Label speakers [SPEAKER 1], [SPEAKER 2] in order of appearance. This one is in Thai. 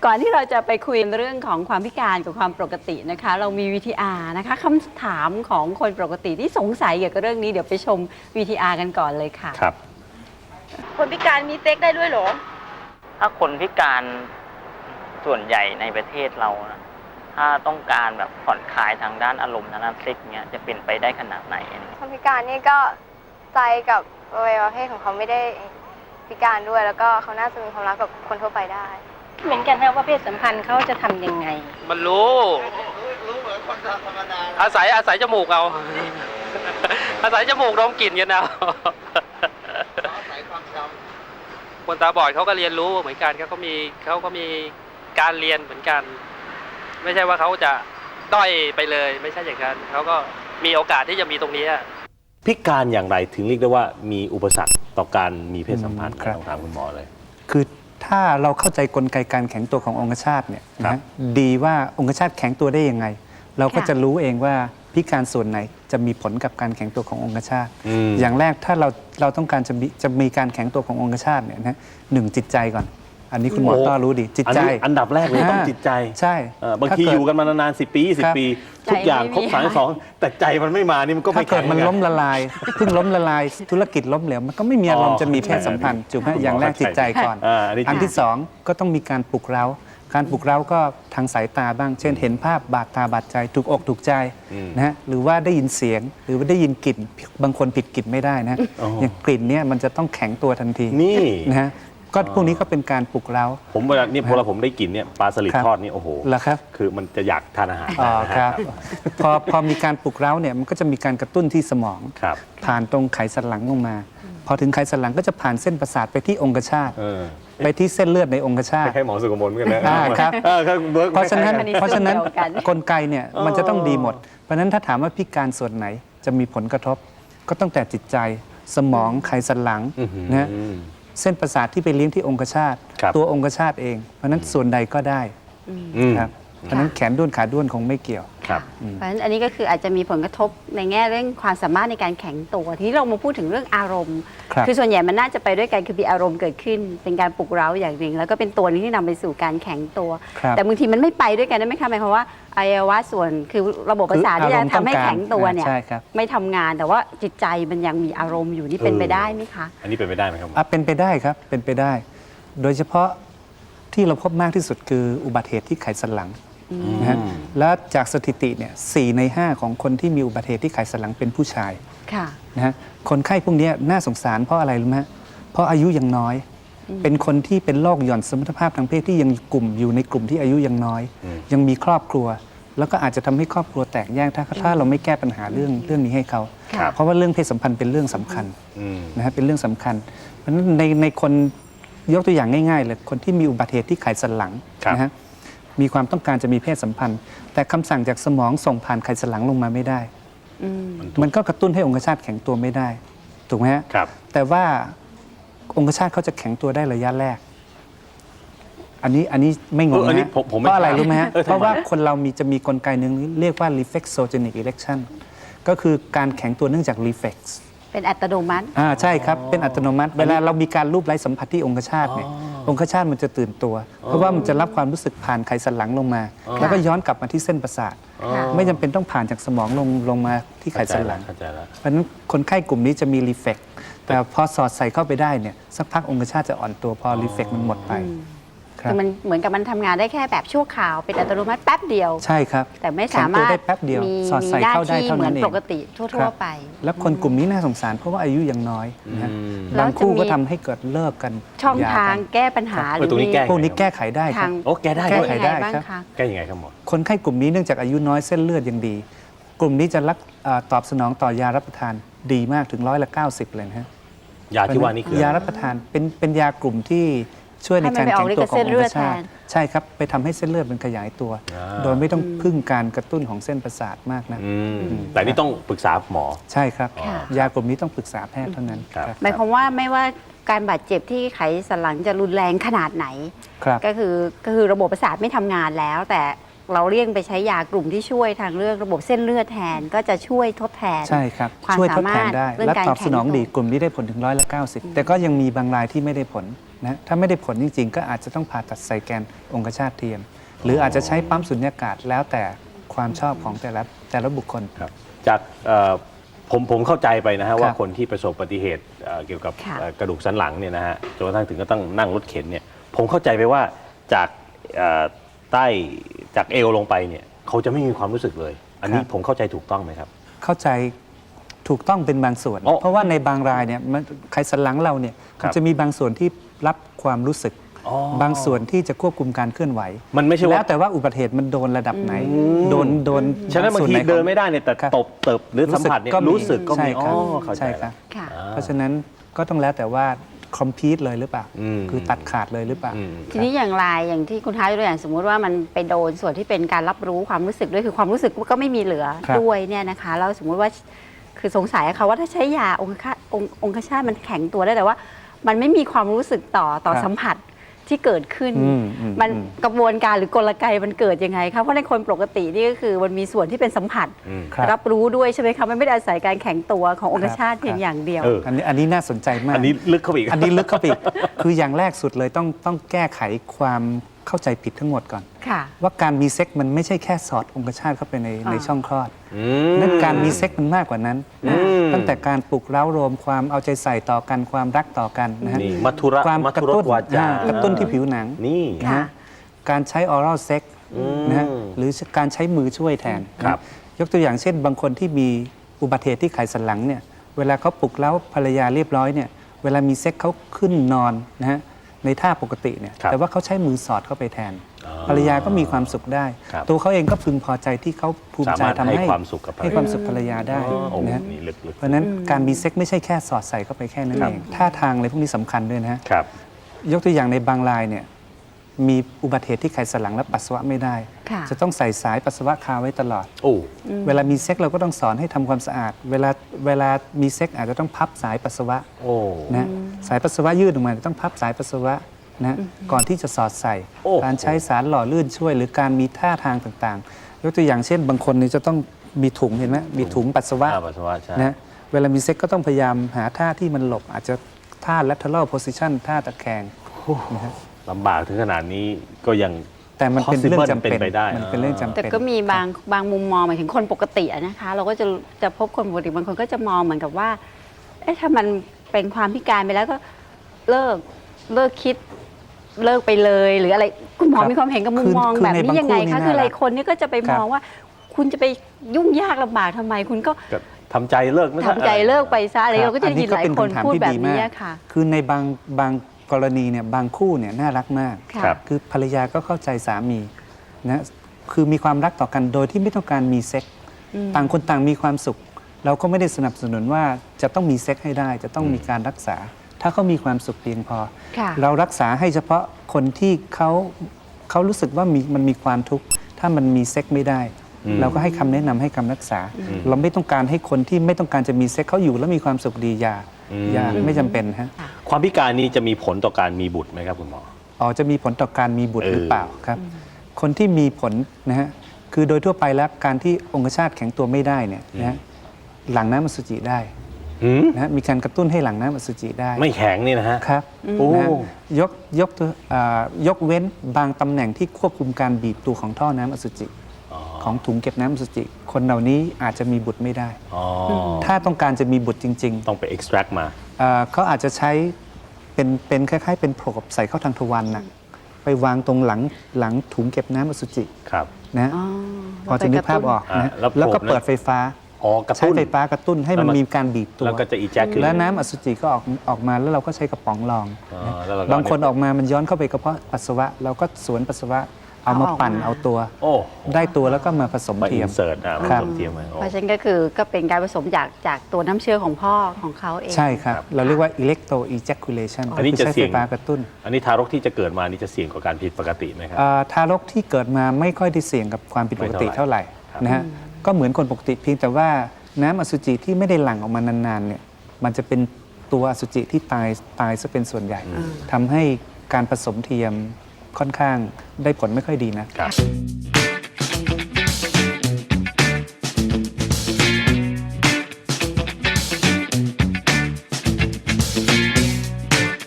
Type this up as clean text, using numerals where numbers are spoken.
[SPEAKER 1] ก่อนที่เราจะไปคุยเรื่องของความพิการกับความปกตินะคะเรามี VTR นะคะคำถามของคนปกติที่สงสัยเกี่ยวกับเรื่องนี้เดี๋ยวไปชม VTR กันก่อนเลยค่ะ
[SPEAKER 2] ครับ
[SPEAKER 1] คนพิการมีเซ็กได้ด้วยเหรอ
[SPEAKER 3] ถ้าคนพิการส่วนใหญ่ในประเทศเรานะถ้าต้องการแบบผ่อนคลายทางด้านอารมณ์ทางด้านเซ็กเนี้ยจะเป็นไปได้ขนาดไหน
[SPEAKER 4] คนพิการนี่ก็ใจกับอวัยวะเพศของเขาไม่ได้พิการด้วยแล้วก็เขาน่าจะมีความรักกับคนทั่วไปได้
[SPEAKER 1] เหมือนกันนะว่าเพศสัมพันธ์เขาจะทำยังไง
[SPEAKER 5] มันรู้เหมือนคนธรรมดาอาศัยจมูกเอา อาศัยจมูกดมกลิ่นกันเอาอาศัยความจำคนตาบอดเขาก็เรียนรู้เหมือนกันเขาก็มีการเรียนเหมือนกันไม่ใช่ว่าเขาจะด้อยไปเลยไม่ใช่อย่างนั้นเขาก็มีโอกาสที่จะมีตรงนี้
[SPEAKER 2] พิการอย่างไรถึงเรียกได้ว่ามีอุปสรรคต่อการมีเพศสัมพันธ์ต้องถามคุณหมอเลย
[SPEAKER 6] คือถ้าเราเข้าใจกลไกการแข็งตัวขององคชาตเนี่ยนะดีว่าองคชาตแข็งตัวได้ยังไงเราก็จะรู้เองว่าพิการส่วนไหนจะมีผลกับการแข็งตัวขององคชาตอย่างแรกถ้าเราต้องการจะมีการแข็งตัวขององคชาตเนี่ยนะหนึ่งจิตใจก่อนอันนี้คุณหมอต้อรู้ดีจิตใจ
[SPEAKER 2] อันดับแรกเลยต้องจิตใจ
[SPEAKER 6] ใช่
[SPEAKER 2] บางทีอยู่กันมานานๆ10 ปี 20 ปีทุกอย่างครบ32แต่ใจมันไม่มานี่มันก็ไม่
[SPEAKER 6] เกิดมันล้มละลายเพิ่งล้มละลายธุรกิจล้มเหลวมันก็ไม่มีอารมณ์จะมีเพศสัมพันธ์จุดไหมอย่างแรกจิตใจก่อนอันที่สองก็ต้องมีการปลุกเร้าการปลุกเร้าก็ทางสายตาบ้างเช่นเห็นภาพบาดตาบาดใจถูกอกถูกใจนะฮะหรือว่าได้ยินเสียงหรือว่าได้ยินกลิ่นบางคนผิดกลิ่นไม่ได้นะอย่างกลิ่นเนี่ยมันจะต้องแข็งตัวทันที
[SPEAKER 2] นี่
[SPEAKER 6] นะฮะก็พวกนี้ก็เป็นการปลุกเร้า
[SPEAKER 2] ผมเวลานี่พอผมได้กลิ่นเนี่ยปลาสลิดทอดนี่โอ้โห
[SPEAKER 6] แล้วครับ
[SPEAKER 2] คือมันจะอยากทานอาหาร
[SPEAKER 6] ครับพอมีการปลุกเร้าเนี่ยมันก็จะมีการกระตุ้นที่สมองผ่านตรงไขสันหลังลงมาพอถึงไขสันหลังก็จะผ่านเส้นประสาทไปที่องคชาตไปที่เส้นเลือดในองคชาต
[SPEAKER 2] ให้หมอสุกมลกันนะครับ
[SPEAKER 6] เพราะฉะนั้นกลไกเนี่ยมันจะต้องดีหมดเพราะฉะนั้นถ้าถามว่าพิการส่วนไหนจะมีผลกระทบก็ตั้งแต่จิตใจสมองไขสันหลังนะเส้นประสาทที่ไปเลี้ยงที่องคชาตตัวองคชาตเองเพราะนั้นส่วนใดก็ได้ครับเพราะนั้นแขนด้วนขาด้วนคงไม่เกี่ยว
[SPEAKER 1] เพราะฉะนั้นอันนี้ก็คืออาจจะมีผลกระทบในแง่เรื่องความสามารถในการแข็งตัวทีนี้เรามาพูดถึงเรื่องอารมณ์คือส่วนใหญ่มันน่าจะไปด้วยกันคือมีอารมณ์เกิดขึ้นเป็นการปลุกเร้าอย่างหนึ่งแล้วก็เป็นตัวนี้ที่นำไปสู่การแข็งตัวแต่บางทีมันไม่ไปด้วยกันได้ไหมคะหมายความว่าอวัยวะส่วนคือระบบประสาทที่จะทำให้แข็งตัวเนี่ยไม่ทำงานแต่ว่าจิตใจมันยังมีอารมณ์อยู่นี่เป็นไปได้ไหมคะ
[SPEAKER 2] อันนี้เป็นไปได้ไหมครับ
[SPEAKER 6] เป็นไปได้ครับเป็นไปได้โดยเฉพาะที่เราพบมากที่สุดคืออุบัติเหตุที่ไขสันหลังนะฮะและจากสถิติเนี่ย4 ใน 5ของคนที่มีอุบัติเหตุที่ไขสันหลังเป็นผู้ชายนะฮะคนไข้พวกนี้น่าสงสารเพราะอะไรรู้ไหมเพราะอายุยังน้อยเป็นคนที่เป็นโรคหย่อนสมรรถภาพทางเพศที่ยังอยู่ในกลุ่มที่อายุยังน้อยยังมีครอบครัวแล้วก็อาจจะทำให้ครอบครัวแตกแยกถ้าเราไม่แก้ปัญหาเรื่องนี้ให้เขาเพราะว่าเรื่องเพศสัมพันธ์เป็นเรื่องสำคัญนะฮะเป็นเรื่องสำคัญเพราะฉะนั้นในคนยกตัวอย่างง่ายๆเลยคนที่มีอุบัติเหตุที่ไขสันหลังนะฮะมีความต้องการจะมีเพศสัมพันธ์แต่คำสั่งจากสมองส่งผ่านไขสันหลังลงมาไม่ได้มันก็กระตุ้นให้องคชาตแข็งตัวไม่ได้ถูกไหมฮะแต่ว่าองคชาตเขาจะแข็งตัวได้ระยะแรกอันนี้ไม่งงนะเพราะอะไรรู้ไหมฮะเพราะว่าคนเราจะมีกลไกหนึ่งเรียกว่า reflexogenic erection ก็คือการแข็งตัวเนื่องจาก reflex
[SPEAKER 1] เป็นอัตโนมัติ
[SPEAKER 6] ใช่ครับเป็นอัตโนมัติเวลาเรามีการรูปไร้สัมผัสที่องคชาตเนี่ยองคชาตมันจะตื่นตัวเพราะว่ามันจะรับความรู้สึกผ่านไขสันหลังลงมาแล้วก็ย้อนกลับมาที่เส้นประสาทไม่จำเป็นต้องผ่านจากสมองลงมาที่ไขสันหลังเพราะฉะนั้นคนไข้กลุ่มนี้จะมีรีเฟกแต่พอสอดใส่เข้าไปได้เนี่ยสักพักองคชาตจะอ่อนตัวพอรีเฟกมันหมดไป
[SPEAKER 1] คือมันเหมือนกับมันทำงานได้แค่แบบชั่วคราวเป็นอัตโนมัติแป๊บเดียว
[SPEAKER 6] ใช่ครับ
[SPEAKER 1] แต่ไม่สามารถ
[SPEAKER 6] ได้แป๊บเดียวสอดใส่เข้าได้เท่านั้นเอง
[SPEAKER 1] ปกติทั่วไป
[SPEAKER 6] แล้วคนกลุ่มนี้น่าสงสารเพราะว่าอายุยังน้อยนะบางคู่ก็ทำให้เกิดเลิกกัน
[SPEAKER 1] ช่องทางแก้ปัญหาหรือ
[SPEAKER 6] พวกนี้แก้ไขได้ครับ
[SPEAKER 2] แก้ได้
[SPEAKER 6] แก้ไขได้ครับ
[SPEAKER 2] แก้ยังไงครับหมอ
[SPEAKER 6] คนไข้กลุ่มนี้เนื่องจากอายุน้อยเส้นเลือดยังดีกลุ่มนี้จะตอบสนองต่อยารับประทานดีมากถึง90%เลยนะฮะ
[SPEAKER 2] ยาที่ว่านี้คือย
[SPEAKER 6] ารับประทานเป็นยากลุ่มที่ช่วยในการแข็งตัวขององคชาตใช่ครับไปทำให้เส้นเลือดมันขยายตัวโดยไม่ต้องพึ่งการกระตุ้นของเส้นประสาทมากนะ
[SPEAKER 2] แต่นี่ต้องปรึกษาหมอ
[SPEAKER 6] ใช่ครับยากลุ่มนี้ต้องปรึกษาแพทย์เท่านั้น
[SPEAKER 1] หมายความว่าไม่ว่าการบาดเจ็บที่ไขสันหลังจะรุนแรงขนาดไหนก็คือระบบประสาทไม่ทำงานแล้วแต่เราเลี่ยงไปใช้ยากลุ่มที่ช่วยทางเรื่องระบบเส้นเลือดแทนก็จะช่วยทดแทน
[SPEAKER 6] ใช่ครับช่วยทดแทนได้และตอบสนองดีกลุ่มนี้ได้ผลถึง90%แต่ก็ยังมีบางรายที่ไม่ได้ผลนะถ้าไม่ได้ผลจริงๆ ก็อาจจะต้องผ่าตัดใส่แกนองคชาตเทียม หรืออาจจะใช้ปั๊มสุญญากาศแล้วแต่ความชอบของแต่ละบุคคล
[SPEAKER 2] ครับจากผมเข้าใจไปนะฮะ
[SPEAKER 6] ครับ
[SPEAKER 2] ว่าคนที่ประสบอุบัติเหตุเกี่ยวกับ
[SPEAKER 1] ค่ะ
[SPEAKER 2] กระดูกสันหลังเนี่ยนะฮะจนกระทั่งถึงก็ต้องนั่งรถเข็นเนี่ยผมเข้าใจไปว่าจากใต้จากเอวลงไปเนี่ยเขาจะไม่มีความรู้สึกเลย อันนี้ผมเข้าใจถูกต้องไหมครับ
[SPEAKER 6] เข้าใจถูกต้องเป็นบางส่วน
[SPEAKER 2] อ๋อ
[SPEAKER 6] เพราะว่าในบางรายเนี่ยไขสันหลังเราเนี่ย
[SPEAKER 2] ครับ
[SPEAKER 6] มันจะมีบางส่วนที่รับความรู้สึก
[SPEAKER 2] อ๋อบ
[SPEAKER 6] างส่วนที่จะควบคุมการเคลื่อนไหว
[SPEAKER 2] มันไม่ใช่
[SPEAKER 6] แล้
[SPEAKER 2] ว่า
[SPEAKER 6] วแต่ว่าอุบัติเหตุมันโดนระดับไหน โดน
[SPEAKER 2] ฉะนั้นบางที
[SPEAKER 6] ส่วหของ
[SPEAKER 2] เดินไม่ได้เนี่ยแต่
[SPEAKER 6] ครับ
[SPEAKER 2] ตบเติบหรือสัมผัสเนี่ยรู้สึกก็มี
[SPEAKER 6] ใช่ครับ
[SPEAKER 2] เข้าใจ
[SPEAKER 6] ใช่ครับ
[SPEAKER 1] ค่ะ
[SPEAKER 6] เพราะฉะนั้นก็ต้องแล้วแต่ว่าคอมพิวต์เลยหรือเปล่า
[SPEAKER 2] อืม
[SPEAKER 6] คือตัดขาดเลยหรือเปล่า
[SPEAKER 2] อืม
[SPEAKER 1] ทีนี้อย่างไรอย่างที่คุณท้ายตัวอย่างสมมุติว่ามันไปโดนส่วนที่เป็นการรับรู้ความรู้สึกด้วยคือความรู้สึกก็ไม่มีเหลือ
[SPEAKER 6] ครับ
[SPEAKER 1] ด้วยเนี่ยนะคะแล้วสมมุติว่าคือสงสัยค่ะว่าถ้าใช้ยาองคชาตมันแข็งตัวได้แต่ว่า มันไม่มีความรู้สึกต่อสัมผัสที่เกิดขึ้น มันกระบวนการหรือกลไกมันเกิดยังไงคะเพราะในคนปกตินี่ก็คือมันมีส่วนที่เป็นสัมผัส
[SPEAKER 6] ครับ
[SPEAKER 1] รับรู้ด้วยใช่ไหมคะมันไม่ได้อาศัยการแข็งตัวขององคชาต
[SPEAKER 6] ครับ
[SPEAKER 1] เพียงอย่างเดียว
[SPEAKER 2] เออ
[SPEAKER 6] อันนี้น่าสนใจมาก
[SPEAKER 2] อันนี้ลึกเข้าไปอีก
[SPEAKER 6] อันนี้ลึกเข้าไปอีก คืออย่างแรกสุดเลยต้องแก้ไขความเข้าใจผิดทั้งหมดก่อน
[SPEAKER 1] ค่ะ
[SPEAKER 6] ว่าการมีเซ็กมันไม่ใช่แค่สอดองคชาตเข้าไปในช่องคลอด
[SPEAKER 2] อื
[SPEAKER 6] นั่นการมีเซ็กมันมากกว่านั้นนะ
[SPEAKER 2] อืม
[SPEAKER 6] ตั้งแต่การปลุกเร้ารวมความเอาใจใส่ต่อกันความรักต่อกันนะฮะ
[SPEAKER 2] นี่มัทุระ
[SPEAKER 6] ความ
[SPEAKER 2] มั
[SPEAKER 6] กระ
[SPEAKER 2] ทุร
[SPEAKER 6] ตุ้
[SPEAKER 2] ส
[SPEAKER 6] น
[SPEAKER 2] วาจา
[SPEAKER 6] กระตุ้นที่ผิวหนัง
[SPEAKER 2] นี่
[SPEAKER 6] นะฮะการใช้ออรัลเซ็กนะฮะหรือการใช้มือช่วยแทน
[SPEAKER 2] ครับ
[SPEAKER 6] ยกตัวอย่างเช่น บางคนที่มีอุบัติเหตุที่ไขสันหลังเนี่ยเวลาเขาปลุกเร้าภรรยาเรียบร้อยเนี่ยเวลามีเซ็กเขาขึ้นนอนนะฮะในท่าปกติเนี่ย
[SPEAKER 2] ครับ
[SPEAKER 6] แต่ว่าเขาใช้มือสอดเข้าไปแทน
[SPEAKER 2] อ๋อ
[SPEAKER 6] ภรรยาก็มีความสุขได้
[SPEAKER 2] ครับ
[SPEAKER 6] ตัวเขาเองก็พึงพอใจที่เขาภูมิใจ
[SPEAKER 2] สามารถ
[SPEAKER 6] ทำ
[SPEAKER 2] ให้
[SPEAKER 6] ให้
[SPEAKER 2] ความสุขกับภรรยา
[SPEAKER 6] ให้ความสุขภรรยาได้
[SPEAKER 2] อ๋อโอ้
[SPEAKER 6] นะฮะ
[SPEAKER 2] นี่ลึก
[SPEAKER 6] เพราะฉะนั้นการมีเซ็กไม่ใช่แค่สอดใส่เข้าไปแค่นั้น
[SPEAKER 2] ครั
[SPEAKER 6] เอบ งท่าทางอะไรพวกนี้สำคัญด้วยนะฮะ
[SPEAKER 2] ครับ
[SPEAKER 6] ยกตัวอย่างในบางรายเนี่ยมีอุบัติเหตุที่ไขสันหลังและปัสสาวะไม่ได้
[SPEAKER 1] ค่ะ
[SPEAKER 6] จะต้องใส่สายปัสสาวะคาไว้ตลอด
[SPEAKER 2] โอ้
[SPEAKER 6] เวลามีเซ็กเราก็ต้องสอนให้ทำความสะอาด เวลามีเซ็กอาจจะต้องพับสายปัสสาวะ
[SPEAKER 2] โอ้
[SPEAKER 6] นะสายปัสสาวะยืดออกมาต้องพับสายปัสสาวะนะก่อนที่จะสอดใส่
[SPEAKER 2] โอ้
[SPEAKER 6] การใช้สารหล่อลื่นช่วย หรือการมีท่าทางต่างๆ ยกตัวอย่างเช่น บางคนนี่จะต้องมีถุงเห็นไหมมีถุงปัสสาวะ
[SPEAKER 2] ปัสสาวะใช่
[SPEAKER 6] นะเวลามีเซ็กก็ต้องพยายามหาท่าที่มันหลบ อาจจะท่า lateral position ท่าตะแคงนะฮะ
[SPEAKER 2] ลำบากถึงขนาดนี้ก็ยัง
[SPEAKER 6] แต่มันเป็นเรื่อง
[SPEAKER 2] possible
[SPEAKER 6] จำเป็น
[SPEAKER 2] เป็นไปได้
[SPEAKER 6] มันเป็นเรื่องจำ
[SPEAKER 1] แต่
[SPEAKER 6] เป็น
[SPEAKER 1] ก็มีบางมุมมองหมายถึงคนปกติอะนะคะ เราก็จะพบคนปกติบางคนก็จะมองเหมือนกับว่าเอ๊ะถ้ามันเป็นความพิการไปแล้วก็เลิกคิดเลิกไปเลยหรืออะไรคุณหมอ
[SPEAKER 6] ครับ
[SPEAKER 1] มีความเห็นกับมุมมอง
[SPEAKER 6] คือ
[SPEAKER 1] แบบ
[SPEAKER 6] ใน
[SPEAKER 1] นี้
[SPEAKER 6] บาง
[SPEAKER 1] ยังไง
[SPEAKER 6] คู่นี่
[SPEAKER 1] คะ
[SPEAKER 6] น่า
[SPEAKER 1] คือหลาย
[SPEAKER 6] รัก
[SPEAKER 1] คนนี่ก็จะไป
[SPEAKER 6] ครั
[SPEAKER 1] ม
[SPEAKER 6] บ
[SPEAKER 1] องว่า คุณจะไปยุ่งยากลำบากทำไม คุณก็
[SPEAKER 2] ก็ทำใจเลิกไม่
[SPEAKER 1] ทำใจเลิกไปซะอะไรเราก็จะได้ยินหลาย
[SPEAKER 6] อั
[SPEAKER 1] คนพูดแบบนี้
[SPEAKER 6] มาก
[SPEAKER 1] อะค่ะ
[SPEAKER 6] คือในบางกรณีเนี่ยบางคู่เนี่ยน่ารักมาก
[SPEAKER 1] ค่ะ
[SPEAKER 2] ครับ
[SPEAKER 6] คือภรรยาก็เข้าใจสามีนะคือมีความรักต่อกันโดยที่ไม่ต้องการมีเซ็กต่างคนต่างมีความสุข เราก็ไม่ได้สนับสนุนว่าจะต้องมีเซ็กให้ได้ จะต้องมีการรักษา ถ้าเขามีความสุขเพียงพอ
[SPEAKER 1] ค่ะ
[SPEAKER 6] เรารักษาให้เฉพาะคนที่เขารู้สึกว่ามันมีความทุกข์ถ้ามันมีเซ็กไม่ได้ เราก็ให้คำแนะนำให้คำรักษา เราไม่ต้องการให้คนที่ไม่ต้องการจะมีเซ็กเขาอยู่แล้วมีความสุขดีอย่าไม่จำเป็นฮะ
[SPEAKER 2] ความพิการนี้จะมีผลต่อการมีบุตรไหมครับคุณหมอ
[SPEAKER 6] อ๋อจะมีผลต่อการมีบุตรหรือเปล่าครับ คนที่มีผลนะฮะคือโดยทั่วไปแล้วการที่องคชาตแข็งตัวไม่ได้เนี่ยนะฮะหลั่งน้ำอสุจิได้
[SPEAKER 2] หืม
[SPEAKER 6] นะฮะมีการกระตุ้นให้หลั่งน้ำอสุจิได้
[SPEAKER 2] ไม่แข็งนี่นะฮะ
[SPEAKER 6] ครับ
[SPEAKER 2] โอ้
[SPEAKER 6] นะฮะยกเว้นบางตำแหน่งที่ควบคุมการบีบตัวของท่อน้ำอสุจิ ของถุงเก็บน้ำอสุจิ คนเหล่านี้อาจจะมีบุตรไม่ได้
[SPEAKER 2] อ๋อ
[SPEAKER 6] ถ้าต้องการจะมีบุตรจริง
[SPEAKER 2] ต้องไป extract มา
[SPEAKER 6] ๆเขาอาจจะใช้เป็นคล้ายๆ เป็นโผล่ใส่เข้าทางทวารหนักไปวางตรงหลังถุงเก็บน้ำอสุจิ
[SPEAKER 2] ครับ
[SPEAKER 6] นะ
[SPEAKER 1] อ๋อ
[SPEAKER 6] พอจะนึกภาพออกนะ
[SPEAKER 2] แล้วโผล่
[SPEAKER 6] แล้วก็เปิดไฟฟ้า
[SPEAKER 2] อ๋อกระ
[SPEAKER 6] ใช้
[SPEAKER 2] ตุ้น
[SPEAKER 6] ไฟฟ้ากระตุ้นให้มัน
[SPEAKER 2] แล้วมัน
[SPEAKER 6] มีการบีบตัว
[SPEAKER 2] แล้วก็จะ eject ขึ้น
[SPEAKER 6] แล้วน้ำอสุจิก็ออกมาแล้วเราก็ใช้กระป๋องรอง
[SPEAKER 2] อ๋อ
[SPEAKER 6] นะ
[SPEAKER 2] แล้วเราก็
[SPEAKER 6] บางคนออกมามันย้อนเข้าไปกระเพาะปัสสาวะ เราก็สวนปัสสาวะเอามาปั่นเอาตัว
[SPEAKER 2] โอ้
[SPEAKER 6] ได้ตัวแล้วก็มาผสม
[SPEAKER 2] มา
[SPEAKER 6] เทียม
[SPEAKER 2] insert มา
[SPEAKER 6] ครับ
[SPEAKER 2] ผสมเทียมไว้โอ้
[SPEAKER 1] เพราะฉะนั้นก็เป็นการผสมจากตัวน้ำเชื้อของพ่อของเขาเอง
[SPEAKER 6] ใช่ครับ เราเรียกว่า electro ejaculation
[SPEAKER 2] อันนี้
[SPEAKER 6] คือ
[SPEAKER 2] จะ
[SPEAKER 6] ใช้
[SPEAKER 2] เสี่
[SPEAKER 6] ไฟ
[SPEAKER 2] ยง
[SPEAKER 6] ฟ้ากระตุ้น
[SPEAKER 2] อันนี้ทารกที่จะเกิดมานี่จะเสี่ยงกว่าการผิดปกติไหมครับ
[SPEAKER 6] ทารกที่เกิดมาไม่ค่อยได้เสี่ยงกับความผิดปกติ
[SPEAKER 2] ไม่เท่า
[SPEAKER 6] เท่า
[SPEAKER 2] ไห
[SPEAKER 6] ไห
[SPEAKER 2] ร่
[SPEAKER 6] ร่
[SPEAKER 2] ครับ
[SPEAKER 6] นะฮะก็เหมือนคนปกติเพียงแต่ว่าน้ำอสุจิที่ไม่ได้หลั่งออกมานานๆเนี่ยมันจะเป็นตัวอสุจิที่ตายซะเป็นส่วนใหญ่ทำให้การผสมเทียมค่อนข้างได้ผลไม่ค่อยดีนะ
[SPEAKER 2] ครับ